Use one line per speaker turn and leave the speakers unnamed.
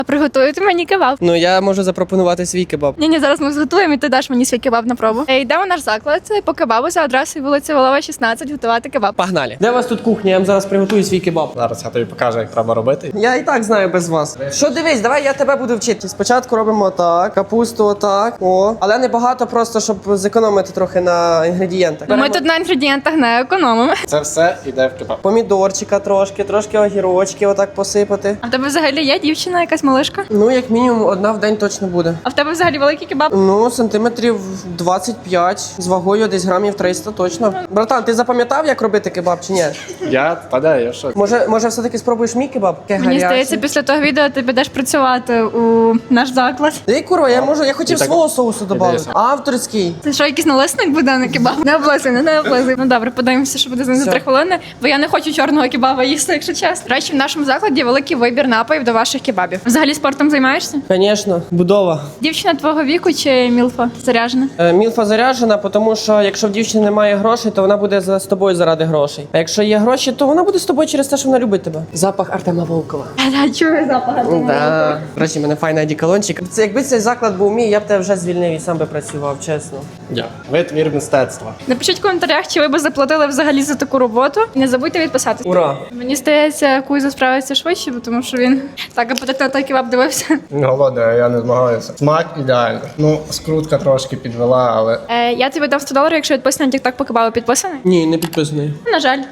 А приготуєте мені кебаб?
Ну я можу запропонувати свій кебаб.
Ні, зараз ми зготуємо і ти даш мені свій кебаб на пробу. Йдемо в наш заклад по кебабу за адресою вулиця Волова, 16, готувати кебаб.
Погнали. Де у вас тут кухня? Я вам зараз приготую свій кебаб.
Зараз я тобі покажу, як треба робити.
Я і так знаю без вас. Що дивись, давай я тебе буду вчити. Спочатку робимо отак, капусту отак. О, але не багато, просто щоб зекономити трохи на інгредієнтах.
Ми тут на інгредієнтах не економимо.
Це все йде в кебаб.
Помідорчика трошки огірочки отак посипати.
А в тебе взагалі є дівчина, якась малишка?
Ну, як мінімум, одна в день точно буде.
А в тебе взагалі великий кебаб?
Ну, сантиметрів 25, з вагою десь грамів 300 точно. Братан, ти запам'ятав, як робити кебаб чи ні?
Я що?
Може все-таки спробуєш мій кебаб?
Мені здається, після того відео ти підеш працювати у наш заклад.
Ей, куро, я хотів
І так-
свого соусу додати.
Дивися.
Авторський.
Це що, якийсь налисник буде на кебаб? Не облизуй, не облизуй. Ну добре, подивимося, що буде за
Все.
3 хвилини, бо я не хочу чорного кебаба їсти, якщо чесно. До речі, в нашому закладі великий вибір напоїв до ваших кебабів. Взагалі спортом займаєшся?
Звісно, будова.
Дівчина твого віку чи мілфа заряжена?
Мілфа заряджена, тому що якщо в дівчини немає грошей, то вона буде з тобою заради грошей. А якщо є гроші, то вона буде з тобою через те, що вона любить тебе. Запах Артема Волкова.
Я чую запах.
Да. До речі, в мене файний одеколончик. Це якби цей заклад був мій, я б тебе вже звільнив і сам би працював, чесно.
Витвір мистецтва.
Напишіть в коментарях, чи ви б заплатили взагалі за таку роботу. І не забудьте відписатися.
Ура!
Мені здається, Кузя справиться швидше, бо тому що він так апетитно той кебаб дивився.
Голодний, я не змагаюся. Смак ідеальний. Ну, скрутка трошки підвела, але
Я тобі дам $100, якщо відписаний на TikTok по кебабу підписаний.
Ні, не підписаний.
На жаль.